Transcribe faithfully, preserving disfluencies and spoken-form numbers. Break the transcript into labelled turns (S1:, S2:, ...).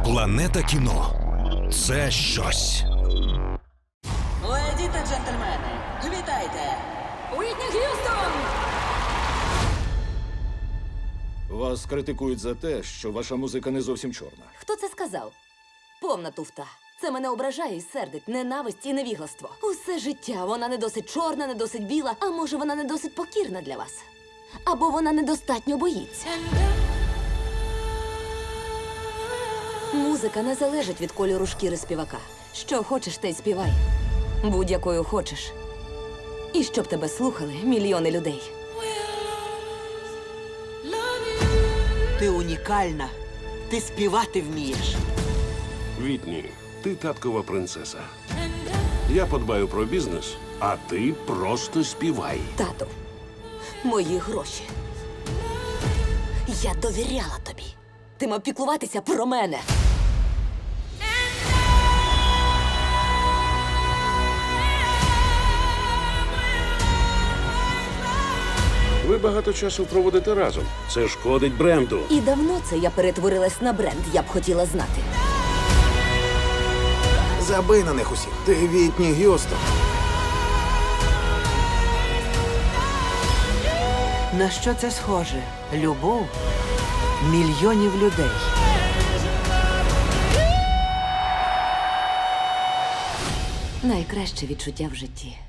S1: Планета кіно – це щось.
S2: Леді та джентльмени, вітайте!
S3: Уітні Г'юстон!
S4: Вас критикують за те, що ваша музика не зовсім чорна.
S3: Хто це сказав? Повна туфта. Це мене ображає і сердить, ненависть і невігластво. Усе життя вона не досить чорна, не досить біла, а може вона не досить покірна для вас. Або вона недостатньо боїться. Музика не залежить від кольору шкіри співака. Що хочеш, те й співай. Будь-якою хочеш. І щоб тебе слухали мільйони людей.
S2: Ти унікальна. Ти співати вмієш.
S5: Вітні, ти таткова принцеса. Я подбаю про бізнес, а ти просто співай.
S3: Тату, мої гроші. Я довіряла тобі. Ти мав піклуватися про мене.
S5: Ви багато часу проводите разом. Це шкодить бренду.
S3: І давно це я перетворилась на бренд, я б хотіла знати.
S6: Забий на них усіх. Ти Вітні Г'юстон.
S2: На що це схоже? Любов мільйонів людей.
S3: Найкраще відчуття в житті.